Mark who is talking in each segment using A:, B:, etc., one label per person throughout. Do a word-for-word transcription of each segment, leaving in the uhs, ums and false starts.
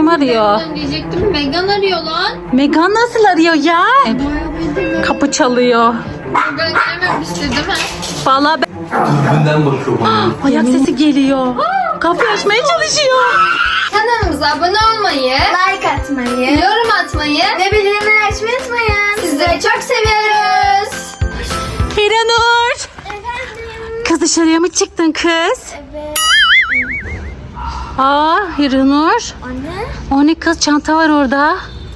A: Kim arıyor?
B: Ben diyecektim. Megan arıyor lan.
A: Megan nasıl arıyor ya? Kapı çalıyor.
B: Megan gelmemişti değil mi?
A: Vallahi ben...
C: Dürbünden bakıyorum.
A: Ayak sesi geliyor. Kapıyı açmaya çalışıyor.
B: Kanalımıza abone olmayı,
D: Like atmayı
B: yorum atmayı
D: ve bildirimleri açmayı unutmayın.
B: sizleri çok seviyoruz.
A: Hiranur.
D: Efendim.
A: Kız dışarıya mı çıktın kız?
D: Evet.
A: Aa Hiranur.
D: Anne.
A: O ne kız, çanta var orada.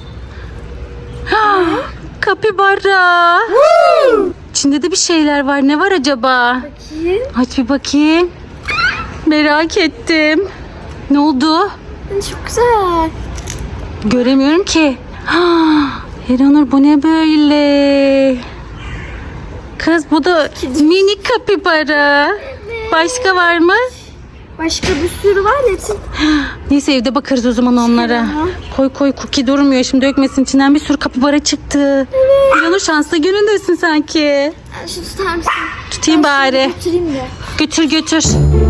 A: Kapibara. İçinde de bir şeyler var. Ne var acaba?
D: Bakayım.
A: Aç bir bakayım. Merak ettim. Ne oldu?
D: Anne çok güzel.
A: Göremiyorum ki. Hiranur bu ne böyle? Kız bu da minik kapibara. Başka var mı?
D: Başka bir sürü var hepsi.
A: Neyse evde bakarız o zaman onlara. Koy koy, Cookie durmuyor. Şimdi dökmesin, içinden bir sürü kapibara çıktı. Hiranur şanslı günündesin sanki.
D: Şu tutar mısın?
A: Tutayım bari.
D: Götüreyim de.
A: Götür götür.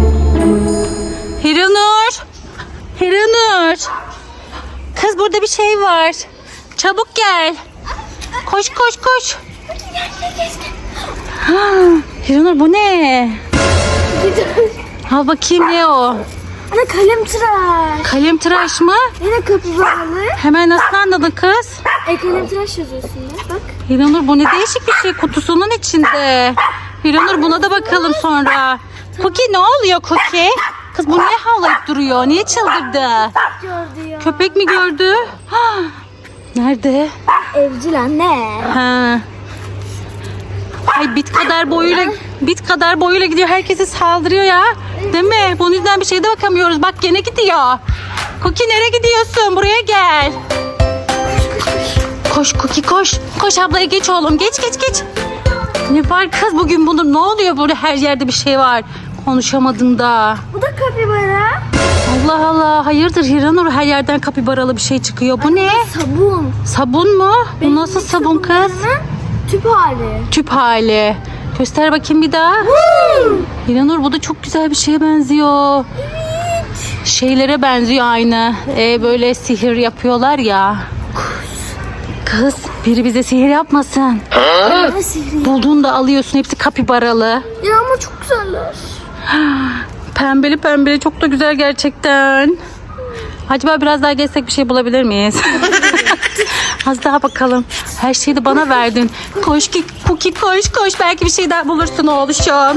A: Hiranur. Hiranur. Kız burada bir şey var. Çabuk gel. Koş koş koş. Ha, Hiranur bu ne? Ha bakayım ne o?
D: Anne kalem tıraş.
A: Kalem tıraş mı?
D: Yine kapibaralı.
A: Hemen nasıl anladın kız?
D: E kalem tıraş yazıyorsun ya. Bak.
A: Hiranur bu ne değişik bir şey kutusunun içinde. Hiranur buna da bakalım sonra. Cookie ne oluyor Cookie? Kız bu niye havlayıp duruyor? Niye çıldırdı?
D: Gördü ya.
A: Köpek mi gördü? Ha, nerede?
D: Evcil anne.
A: Ha. Ay bit kadar boyuyla bit kadar boyuyla gidiyor. Herkese saldırıyor ya. Değil mi? Bunun yüzünden bir şeye de bakamıyoruz. Bak gene gidiyor. Cookie nereye gidiyorsun? Buraya gel. Koş Cookie koş. Koş ablaya geç oğlum. Geç geç geç. Ne var kız bugün bunun? Ne oluyor burada, her yerde bir şey var. Konuşamadın da.
D: Bu da kapibara.
A: Allah Allah. Hayırdır Hiranur, her yerden kapibaralı bir şey çıkıyor. Bu ne?
D: Sabun.
A: Sabun mu? Bu nasıl sabun kız?
D: Sabunlarının tüp hali.
A: Tüp hali. Göster bakayım bir daha. Hiranur bu da çok güzel bir şeye benziyor. Şeylere benziyor aynı. Ee, böyle sihir yapıyorlar ya. Kız biri bize sihir yapmasın.
D: Ne sihri?
A: Bulduğunu da alıyorsun, hepsi kapibaralı.
D: Ya ama çok güzeller.
A: Pembeli pembeli, çok da güzel gerçekten. Acaba biraz daha gezsek bir şey bulabilir miyiz? Az daha bakalım. Her şeyi de bana verdin. Koş ki Cookie koş koş. Belki bir şey daha bulursun oğluşum.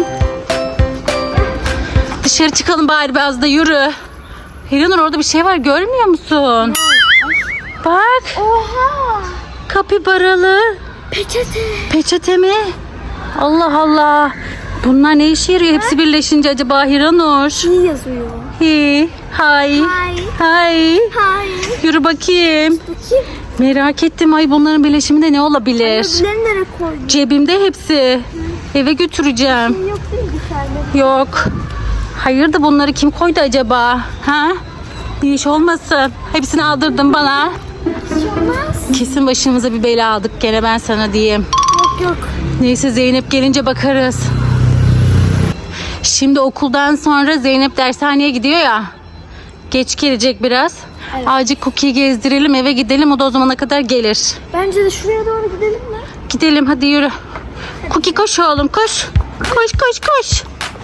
A: Dışarı çıkalım bari, biraz da yürü. Hiranur orada bir şey var, görmüyor musun? Bak,
D: Oha.
A: kapibaralı.
D: Peçete.
A: Peçete mi? Allah Allah. Bunlar ne işe yarıyor? Hepsi birleşince acaba Hiranur?
D: İyi yazıyor.
A: Hi, hay,
D: Hay.
A: hay.
D: Hay.
A: Yürü bakayım.
D: Bakayım.
A: Merak ettim. Ay bunların birleşiminde ne olabilir?
D: Öbürlerini nereye koydun?
A: Cebimde hepsi. Eve götüreceğim.
D: Yok değil mi dışarıda?
A: Yok. Hayırdır, bunları kim koydu acaba? Ha? Bir iş olmasın. Hepsini aldırdın bana.
D: Bir şey olmaz.
A: Kesin başımıza bir bela aldık gene, ben sana diyeyim.
D: Yok yok.
A: Neyse Zeynep gelince bakarız. Şimdi okuldan sonra Zeynep dershaneye gidiyor ya. Geç gelecek biraz.
D: Evet.
A: Acil Cookie'yi gezdirelim, eve gidelim. O da o zamana kadar gelir.
D: Bence de şuraya doğru gidelim mi?
A: Gidelim hadi yürü. Cookie koş oğlum koş. Koş koş koş.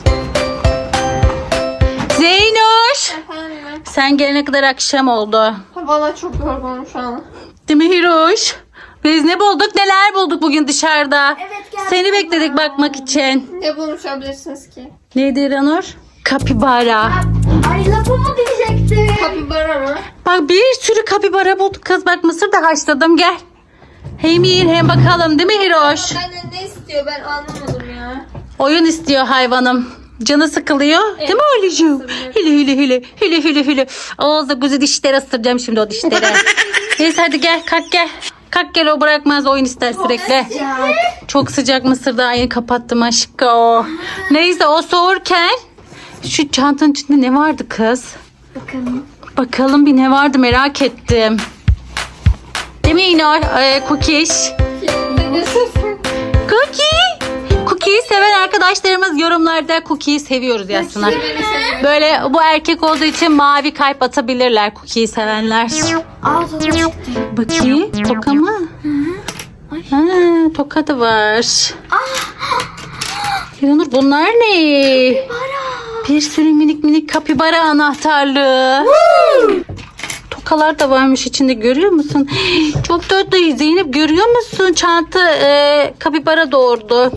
A: Zeynoş.
B: Efendim.
A: Sen gelene kadar akşam oldu.
B: Valla çok yorgunum şu an.
A: Değil mi Hiroş? Biz ne bulduk, neler bulduk bugün dışarıda.
D: Evet, geldim.
A: Seni bekledik bakmak için.
B: Ne bulmuş olabilirsiniz ki?
A: Neydi İranur? Kapibara.
D: Ay lafımı diyecekti.
B: Kapibara mı?
A: Bak bir sürü kapibara bulduk kız. Bak mısır da haşladım, gel. Hem yiyin hem bakalım, değil mi Hiroş?
B: Benden ne istiyor ben anlamadım ya.
A: Oyun istiyor hayvanım. Canı sıkılıyor. Değil mi Ali'cim? Hile hile hile. Hile hile hile. Ağızda gözü dişleri ısıracağım şimdi o dişleri. Neyse hadi gel, kalk gel. Kalk gel, o bırakmaz, oyun ister sürekli. Çok sıcak, mısır daha yeni kapattım aşkım. Neyse o soğurken şu çantanın içinde ne vardı kız?
D: Bakalım.
A: Bakalım bir ne vardı, merak ettim. Değil mi İnor? Ee, Cookies.
B: Ne diyorsun sen?
A: Cookie. Cookie Cookie'yi seven arkadaşlarımız yorumlarda Cookie'yi seviyoruz yazsınlar. Böyle bu erkek olduğu için mavi kalp atabilirler Cookie'yi sevenler.
D: Aa sonra çıktı.
A: Bakayım toka mı? Ha, toka da var. Hiranur bunlar ne? Bir sürü minik minik kapibara anahtarlığı. Tokalar da varmış içinde, görüyor musun? Çok tatlı Zeynep, görüyor musun? Çanta e, kapibara doğurdu.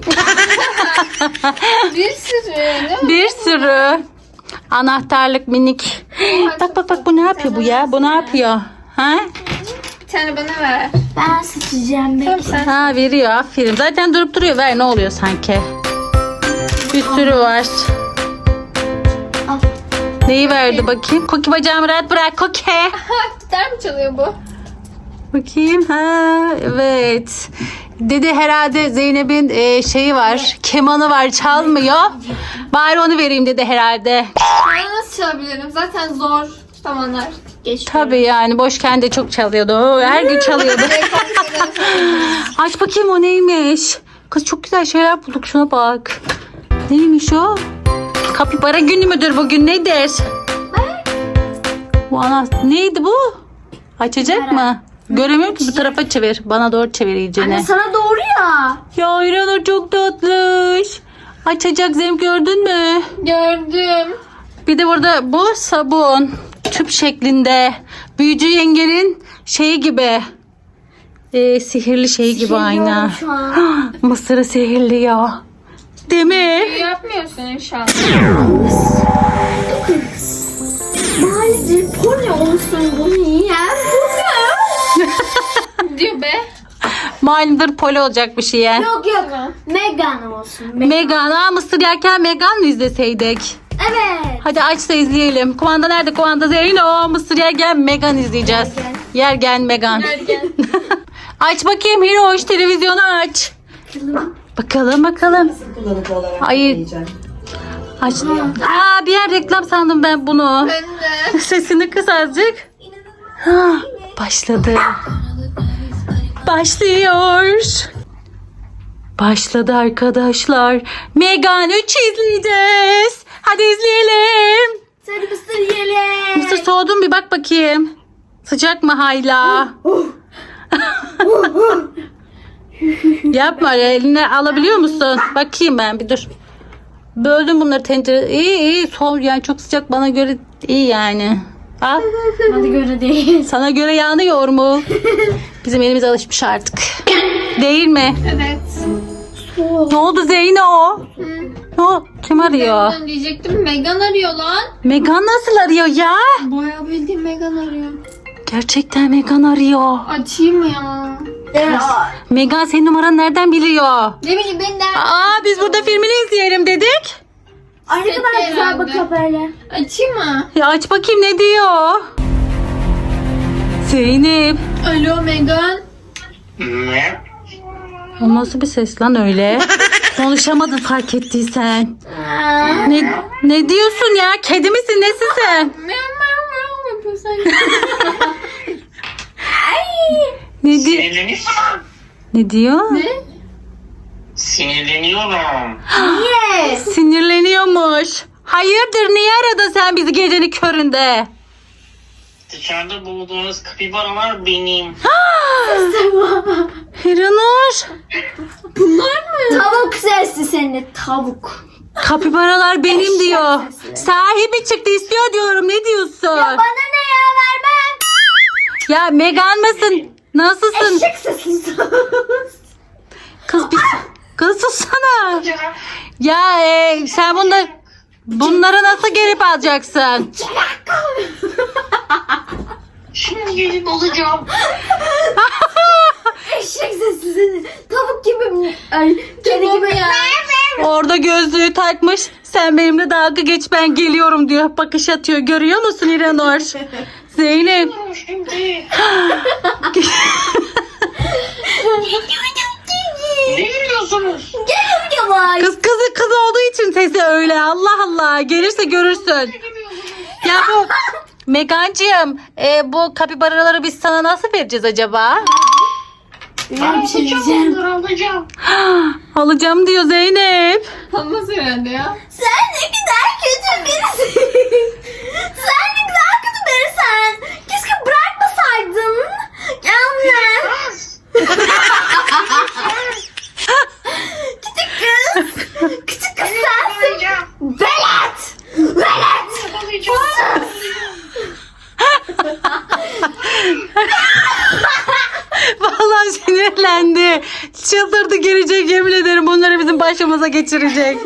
B: Bir sürü değil mi?
A: Bir sürü anahtarlık minik. Bak bak bak bu ne yapıyor bu ya? Bu ne yapıyor? Ha?
B: Bir tane bana ver.
D: Ben seçeceğim
B: Tamam
D: belki.
B: sen.
A: Ha veriyor, aferin. Zaten durup duruyor. Ver, ne oluyor sanki? Bir sürü var.
D: Al.
A: Neyi verdi bakayım? Koki bacağımı rahat bırak Koki.
B: Ha, gitar mı çalıyor bu?
A: Bakayım. Ha evet. Dedi herhalde Zeynep'in e, şeyi var. Kemanı var, çalmıyor. Bari onu vereyim dedi herhalde.
B: Ben nasıl çalabilirim? Zaten zor zamanlar geçti.
A: Tabii yani boşken de çok çalıyordu. Oo, her gün çalıyordu. Aç bakayım o neymiş. Kız çok güzel şeyler bulduk, şuna bak. Neymiş o? Kapibara günü müdür bugün, nedir? Bu ana neydi bu? Açacak mı? Göremiyorum ki, bu tarafa çevir. Bana doğru çevir iyicene.
D: Anne sana doğru ya.
A: Ya İranur çok tatlış. Açacak, Zeynep gördün mü?
B: Gördüm.
A: Bir de burada bu sabun. Tüp şeklinde. Büyücü yengenin şeyi gibi. Ee, sihirli şeyi gibi aynı.
D: Sihirliyorum şu an.
A: Mısırı sihirliyor. Değil mi?
B: Büyü yapmıyorsun inşallah.
D: Maalesef bu ne olsun bunu yiyen
B: Diyor be.
A: Malumdur poli olacak bir şey yani.
D: Yok yok. Megan olsun. Me-
A: Megan. Aa, mısır yerken Megan mı izleseydik?
D: evet.
A: Hadi aç da izleyelim. Kumanda nerede? Kumanda Zeyno. Mısır yerken Megan izleyeceğiz. Yergen Megan.
B: Ergen.
A: Aç bakayım Hiroş, televizyonu aç. Bakalım bakalım. Ay. Aç. Aa, bir yer reklam sandım ben bunu.
B: Ben de.
A: Sesini kıs azıcık. Ha, başladı. Başlıyor. Başladı arkadaşlar. Megan üç izleyeceğiz. Hadi izleyelim.
D: Sarı mısır yiyelim.
A: Mısır soğudun, bir bak bakayım. Sıcak mı hala? Yapma, eline alabiliyor musun? Bakayım ben bir dur. Böldüm bunları tencere. İyi iyi soğuk yani, çok sıcak bana göre iyi yani. Al.
D: Hadi göre değil.
A: Sana göre yanıyor mu? Bizim elimiz alışmış artık. Değil mi?
B: Evet.
A: Ne oldu Zeyno? Ne oldu? Kim arıyor?
B: Ben diyecektim. Megan arıyor lan.
A: Megan nasıl arıyor ya?
B: Bayağı bildiğin Megan arıyor.
A: Gerçekten Megan arıyor.
B: Açayım ya.
A: Megan senin numaranı nereden biliyor?
B: Ne bileyim ben de.
A: Aa, biz burada filmini izleyelim dedik.
D: Ay ne kadar güzel
B: herhalde.
D: bakıyor böyle.
B: Açayım mı?
A: Ya aç bakayım ne diyor? Zeynep.
B: Alo Megan.
C: Ne?
A: O nasıl bir ses lan öyle? Konuşamadın fark ettiysen. Ne, ne diyorsun ya? Kedi misin? Nesin sen?
B: Meow meow meow yapıyor sanki.
A: Ne, di
C: Sinirleniyorsun.
A: ne diyor?
B: Ne?
C: Sinirleniyorum.
A: Sinirleniyormuş. Hayırdır, niye aradın sen bizi gecenin köründe?
C: Dışarıda bulduğunuz kapibaralar benim.
A: Hiranur.
D: Tavuk sesli seni tavuk.
A: Kapibaralar benim diyor. Sahibi çıktı istiyor diyorum. Ne diyorsun?
D: Bana ne ya vermem.
A: Ya Megan mısın? Nasılsın?
D: Eşek sesli.
A: Kız bir kız sussana. Ya e, sen bunda bunları nasıl gelip alacaksın?
C: Şimdi gelip olacağım.
D: Eşek sesli seni. Tavuk gibi. Ay kedi
B: Tamam
D: gibi.
B: ya.
A: Orada gözlüğü takmış. Sen benimle dalga geç, ben geliyorum diyor. Bakış atıyor. Görüyor musun İranur? Zeynep.
C: Şimdi. Ne gülüyorsunuz?
D: Yavaş.
A: Kız kızı kız olduğu için sesi öyle. Allah Allah. Gelirse görürsün. Ya bu Megancığım, e, bu kapibaraları biz sana nasıl vereceğiz acaba?
C: Ben
D: bir şey
C: alacağım
D: diyeceğim.
C: onları alacağım.
A: Alacağım diyor Zeynep.
B: Olmaz herhalde ya.
D: Sen ne kadar kötü birisin. Sen ne kadar kötü birisin. Keşke bırakmasaydın. Anne.
C: Kız.
D: Küçük kız. Küçük kız sensin.
C: Alacağım.
D: Velet. Velet.
C: Alacağım.
A: Vallahi sinirlendi. Çıldırdı gelecek yemin ederim bunları bizim başımıza geçirecek.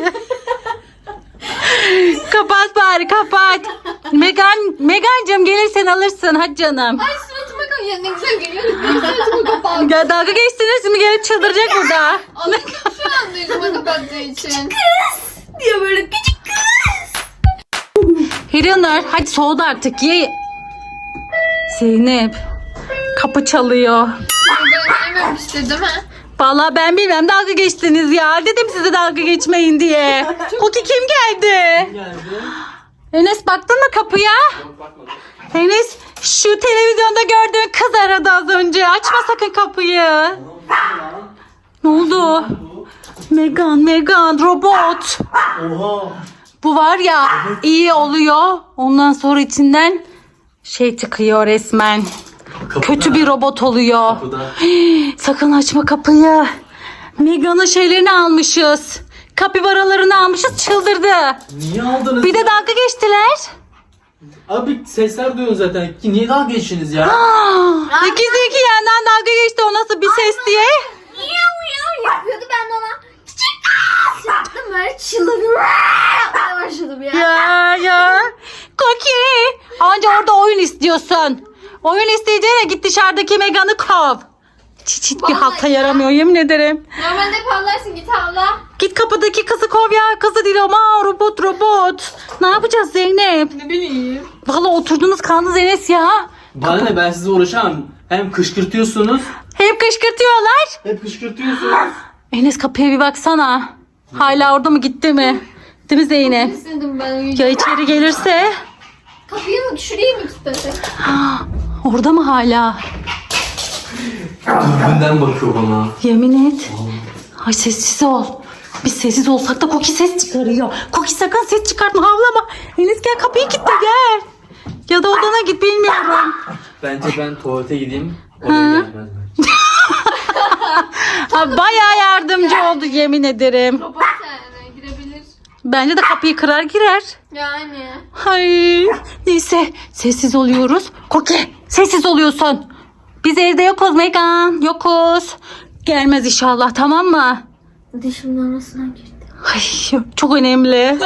A: Kapat bari kapat. Megan, Megancığım gelirsen alırsın hadi canım.
B: Ay suratıma koy. Ya ne güzel geliyor. Ne güzel suratıma kapattı.
A: Ya dalga geçtiniz mi gelip çıldıracak burada.
B: Anladım şu an yüzüme kapattığı için.
D: Diyor böyle küçük kız.
A: Hiranur hadi soğudu artık ye. Zeynep kapı çalıyor.
B: Ben yememişti değil mi?
A: Vallahi ben bilmem dalga geçtiniz ya. Dedim size dalga geçmeyin diye. Koki kim geldi?
E: Geldi.
A: Enes baktın mı kapıya?
E: Yok bakmadım.
A: Enes şu televizyonda gördüğün kız aradı az önce. Açma sakın kapıyı. Ne oldu? Megan, Megan robot.
E: Oha.
A: Bu var ya iyi oluyor. Ondan sonra içinden şey çıkıyor resmen.
E: Kapıda.
A: Kötü bir robot oluyor.
E: Kapıda.
A: Sakın açma kapıyı. Megan'ın şeylerini almışız. Kapibaralarını almışız çıldırdı.
E: Niye aldınız?
A: Bir de dalga geçtiler.
E: Abi sesler duyuyorsun zaten. Ki niye dalga geçtiniz ya?
A: Ah, İkisi iki yandan dalga geçti o nasıl bir ses diye.
D: Miyav miyav yapıyordu ben de ona. Küçük kız. Yaptım böyle çıldırdım. Yapmaya başladım ya.
A: Ya ya. Koki. Anca orada oyun istiyorsun. Oyun isteyeceğine git dışarıdaki Megan'ı kov. Çiçit bir
B: Vallahi
A: halta
B: ya.
A: yaramıyor yemin ederim.
B: Normalde pavlarsın git avla.
A: Git kapıdaki kızı kov ya. Kızı değil ama robot robot. Ne yapacağız Zeynep?
B: Ne bileyim.
A: Vallahi oturdunuz kaldınız Enes ya.
E: Bana ne, ben size uğraşamam. Hem kışkırtıyorsunuz.
A: Hep kışkırtıyorlar.
E: Hep kışkırtıyorsunuz.
A: Enes kapıya bir baksana. Hala orada mı gitti mi? Değil mi Zeynep?
B: İstedim ben
A: Ya
B: uyuyacağım.
A: içeri gelirse?
B: Kapıyı mı şurayı mı kilitlesek?
A: Orada mı hala?
E: Dürbünden bakıyor bana.
A: Yemin et. Ay sessiz ol. Biz sessiz olsak da Koki ses çıkarıyor. Koki sakın ses çıkartma havlama. Enes gel kapıyı kilitle gel. Ya da odana git bilmiyorum.
E: Bence ben tuvalete gideyim.
A: Hı.
E: Oraya gelmez belki.
A: Ha, bayağı yardımcı oldu yemin ederim.
B: Robot yani girebilir.
A: Bence de kapıyı kırar girer.
B: Yani.
A: Ay, neyse sessiz oluyoruz. Koki sessiz oluyorsun. Biz evde yokuz Megan. Yokuz. Gelmez inşallah tamam mı?
D: Dişimin arasına girdi.
A: Ay, çok önemli.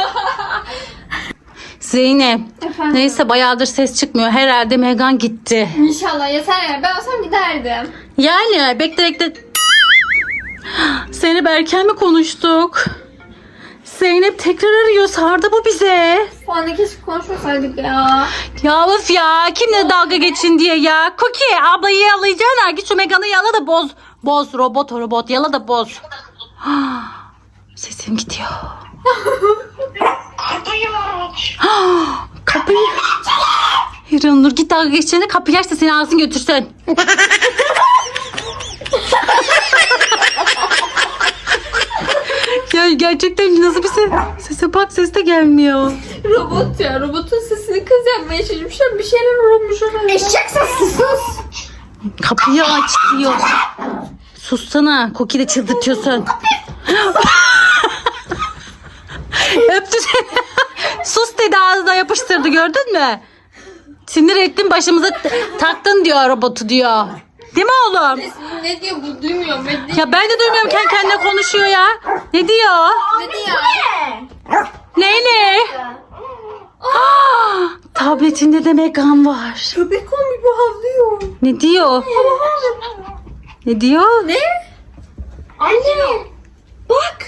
A: Zeynep.
B: Efendim?
A: Neyse bayağıdır ses çıkmıyor. Herhalde Megan gitti.
B: İnşallah yeter ya. Ben olsam giderdim.
A: Yani bekle bekle. Zeynep erken mi konuştuk? Zeynep tekrar arıyor. Sardı bu bize.
B: Bu anda keşke konuşmasaydık ya.
A: Ya of ya. Kimle dalga geçin diye ya. Cookie ablayı yalayacağına. Git şu Megan'ı yala da boz. Boz robot o robot. Yala da boz. Sesim gidiyor.
C: Kapıyı aç.
A: Kapıyı. Hiranur git dalga geçeceğine kapıyı aç da seni alsın götürsün. Ya gerçekten nasıl bir ses? Sese bak ses de gelmiyor.
B: Robot ya. Robotun sesini kız yapmaya çalışmışlar. Bir şeyler olmuş orada.
D: Eşek sesi sus.
A: Kapıyı aç diyor. Sussana. Koki de çıldırtıyorsun. Öptü seni. Sus dedi ağzına yapıştırdı gördün mü? Sinir ettin başımıza t- taktın diyor robotu diyor. Değil mi oğlum?
B: Ne diyor bu? Duymuyorum. Ne diyor?
A: Ya ben de duymuyorum kendi kendine konuşuyor ya. Ne diyor?
B: Ne diyor?
A: Ne ne? Ah, tabletinde de Megan var.
B: Köpek olmuş bu havlıyor.
A: Ne diyor? Ne diyor?
B: Ne?
D: Anne. Bak.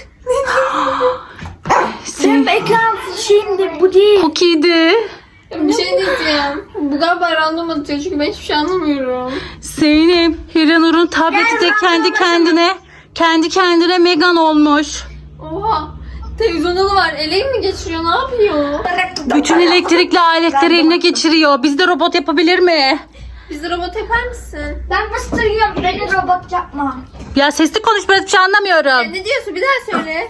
A: Sen
D: Ekran şimdi bu değil.
A: Cookie'di.
B: Bir şey diyeceğim. Bu galiba random atıyor çünkü ben hiçbir şey anlamıyorum.
A: Zeynep, Hiranur'un tableti de kendi kendine kendi kendine Megan olmuş.
B: Oha. Televizyonda da var. Eleği mi geçiriyor? Ne yapıyor?
A: Bütün elektrikli aletleri eline geçiriyor. Biz de robot yapabilir mi?
B: Bizi robot yapar mısın?
D: Ben mısır yiyorum. Beni robot yapma.
A: Ya sesli konuş, biraz bir şey anlamıyorum.
B: Ya ne diyorsun? Bir daha söyle.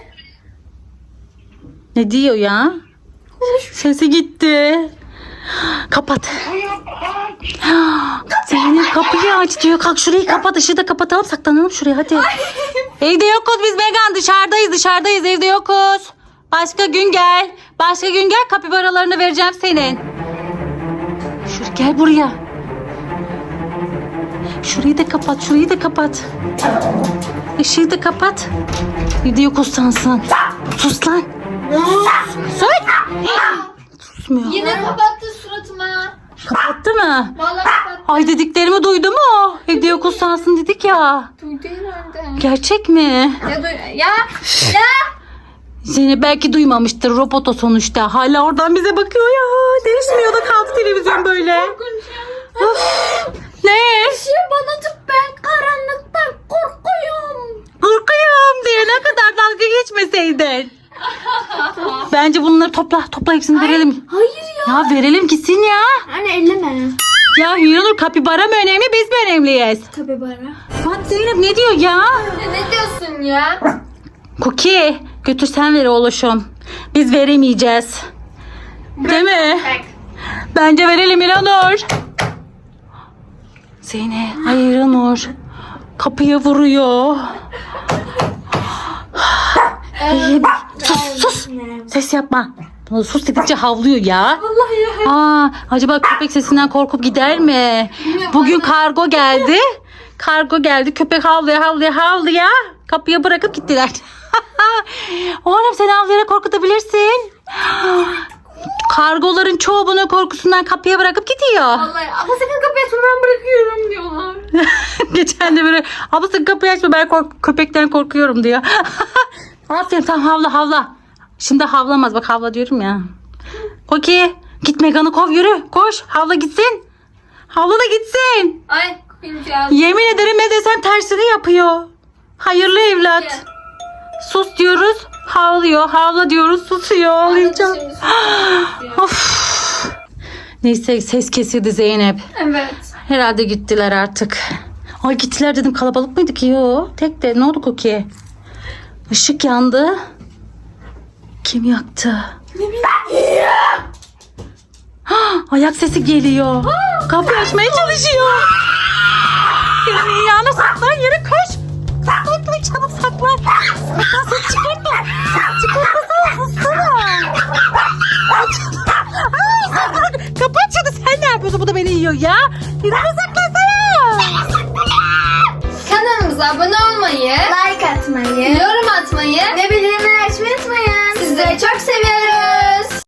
A: Ne diyor ya? Sesi gitti. Kapat. Zeynep kapıyı aç diyor. Kalk şurayı kapat. Işığı da kapatalım. Saklanalım şuraya hadi. Evde yokuz biz Megan. Dışarıdayız dışarıdayız. Evde yokuz. Başka gün gel. Başka gün gel. Kapibaralarını vereceğim senin. Şuraya gel buraya. Şurayı da kapat. Şurayı da kapat. Işığı da kapat. Evde yokuz sansın. Sus lan. Sus. Susmuyor.
B: Yine kapattı suratıma.
A: Kapattı mı?
B: Vallahi kapattı.
A: Ay dediklerimi duydu mu? Evde yokuz sansın dedik ya.
B: Duydu herhalde.
A: Gerçek mi?
B: Ya duy... Ya! Ya!
A: Zeynep belki duymamıştır. Robot o sonuçta. Hala oradan bize bakıyor ya. Değişmiyor da kaldı televizyon böyle. Of. Ne?
D: Şey bana tut, ben karanlıktan korkuyorum.
A: Korkuyorum diye ne kadar dalga geçmeseydin. Bence bunları topla. Topla hepsini verelim.
D: Hayır ya.
A: Ya verelim gitsin ya.
D: Anne elleme.
A: Ya Hiranur kapibara mı önemli biz mi önemliyiz?
D: Tabii bana.
A: Bak Zeynep ne diyor ya?
B: Ya ne diyorsun ya?
A: Cookie götür sen ver oğluşum. Biz veremeyeceğiz. Değil mi?
B: Bak.
A: Bence verelim İranur. Zeynep hayır İranur. Kapıya vuruyor. İyi, sus sus. Ses yapma. Sus dedikçe havlıyor ya.
B: Vallahi ya.
A: Aa, acaba köpek sesinden korkup gider mi? Bugün kargo geldi. Kargo geldi. Köpek havlaya havlaya havlaya kapıya bırakıp gittiler. Oğlum sen havlayarak korkutabilirsin. Kargoların çoğu bunun korkusundan kapıya bırakıp gidiyor.
B: Vallahi ama sakın kapıyı açma ben bırakıyorum diyorlar.
A: Geçen de böyle abla sakın kapıyı açma ben kork köpekten korkuyorum diyor. Aferin tamam havla havla. Şimdi havlamaz bak havla diyorum ya. Koki git Megan'ı kov yürü koş havla gitsin. Havla da gitsin.
B: Ay kuyumcağız.
A: Yemin ederim ne desem tersini yapıyor. Hayırlı evlat. Sus diyoruz havlıyor. Havla diyoruz susuyor. Ağlayacağım. Of. Neyse ses kesildi Zeynep.
B: Evet.
A: Herhalde gittiler artık. Ay gittiler dedim kalabalık mıydı ki? Yo tek de ne oldu Koki? Işık yandı. Kim yaktı? Ne bileyim. Ayak sesi geliyor. Kapıyı açmaya çalışıyor. Elini yanına saklan yere koş. Saklan çabuk saklan. Saklan ses çıkartma. Ses çıkartmasana sussana. Ay saklan. Kapı açıldı sen ne yapıyorsun? Bu da beni yiyor ya. Yürüme saklansana.
B: Kanalımıza abone olmayı,
D: Like atmayı.
B: yorum atmayı
D: Ve bildirimleri açmayı unutmayın.
B: sizleri çok seviyoruz.